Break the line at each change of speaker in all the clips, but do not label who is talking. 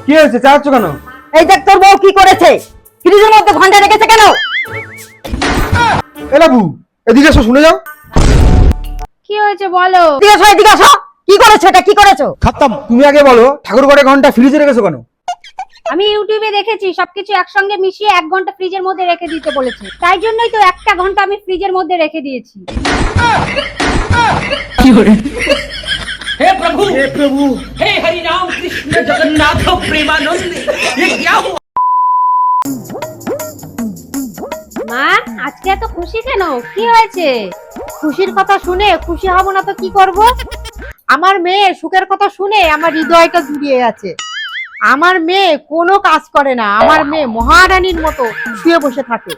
কি হয়েছে, চাচ্ছ কেন?
এই দেখ তোর বউ কি করেছে, ফ্রিজের মধ্যে ঘন্টা রেখেছে কেন?
এ বাবু, এদিকে এসো, শুনে যাও।
কি হয়েছে বলো?
এদিকে আসো, কি করেছো, এটা কি করেছো?
খতম। তুমি আগে বলো, ঠাকুর ঘরে ঘন্টা ফ্রিজে রেখেছো কেন?
আমি ইউটিউবে দেখেছি সবকিছু একসঙ্গে মিশিয়ে 1 ঘন্টা ফ্রিজের মধ্যে রেখে দিতে বলেছে, তাই জন্যই তো 1টা ঘন্টা আমি ফ্রিজের মধ্যে রেখে দিয়েছি।
हे प्रभु हे हरि राम कृष्ण जगन्नाथ प्रेमानंद ये क्या हुआ?
মা, আজকে এত খুশি কেন? কি হয়েছে?
খুশির কথা শুনে খুশি হব না তো কি করব? আমার মেয়ের সুখের কথা শুনে আমার হৃদয়টা জুড়িয়ে আছে। আমার মেয়ে কোনো কাজ করে না, আমার মেয়ে মহারানীর মতো শুয়ে বসে থাকে।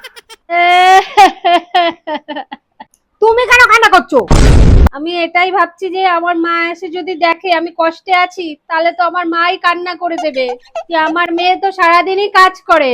তুমি কেন কান্না করছো?
আমি এটাই ভাবছি যে আমার মা এসে যদি দেখে আমি কষ্টে আছি, তাহলে তো আমার মাই কান্না করে দেবে যে আমার মেয়ে তো সারাদিনই কাজ করে।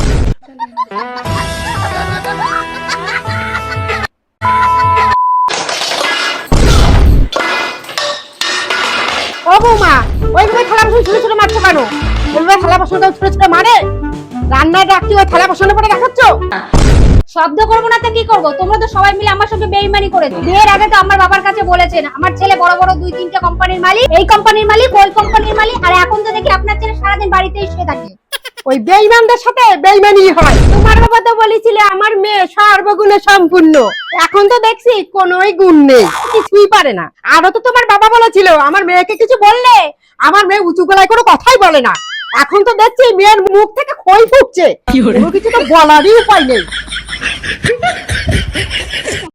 ও বৌমা, ওইভাবে থালা বাসন ছোট ছোট মারছো কেন? ওইভাবে থালা বাসন ছোট ছোট মারে? রান্নার রাখছি ওই থালা বাসনের পরে দেখাচ্ছ?
শব্দ করবো না তো কি করবো? তোমরা তো সবাই মিলে আমার সঙ্গে বেইমানি করেছো। বিয়ের আগে তো আমার বাবার কাছে বলেছেন আমার ছেলে বড় বড় 2-3টে কোম্পানির মালিক, এই কোম্পানির মালিক, ওই কোম্পানির মালিক, আর এখন তো দেখি আপনার ছেলে সারাদিন বাড়িতেই শুয়ে থাকে।
ওই বেঈমানদের সাথে বেঈমানি হয়। তোমার বাবা তো বলেছিলে আমার মেয়ে সর্বগুণে সম্পূর্ণ, এখন তো দেখছি কোনোই গুণ নেই, কিছুই পারে না। আরো তো তোমার বাবা বলেছিল আমার মেয়েকে কিছু বললে আমার মেয়ে উঁচু গলায় কোনো কথাই বলে না, এখন তো দেখছি মেয়ের মুখ থেকে খই ফুটছে, কোনো কিছু তো বলারই উপায় নেই।